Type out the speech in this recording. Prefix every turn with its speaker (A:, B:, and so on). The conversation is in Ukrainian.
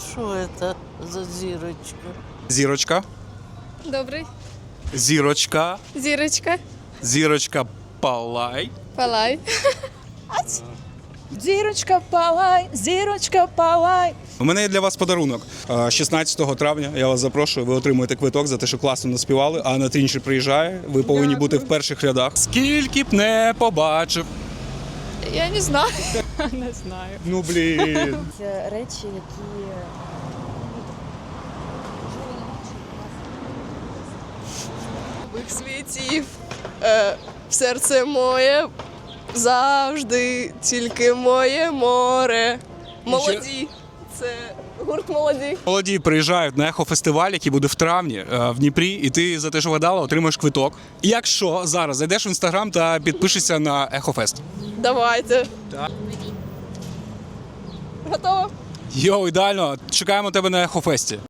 A: Что это за зирочка?
B: Зірочка.
C: Добрий.
B: Зірочка.
C: Зірочка.
B: Зірочка палай.
C: Палай.
D: Зірочка палай.
B: У мене є для вас подарунок. 16 травня я вас запрошую, ви отримуєте квиток за те, що класно наспівали, а на Трінчер приїжджає, ви повинні бути в перших рядах. Скільки б не побачив.
C: Я не знаю.
B: Ну, блін.
D: Це речі, які
C: Нових світів. Серце моє завжди тільки моє море. Молоді. Це гурт молоді.
B: Молоді приїжджають на ехофестиваль, який буде в травні в Дніпрі, і ти за те, що вгадала, отримаєш квиток. Якщо зараз зайдеш в інстаграм та підпишешся на Ехофест.
C: Давайте.
B: Так.
C: Готово?
B: Йоу, ідеально, чекаємо тебе на Ехофесті.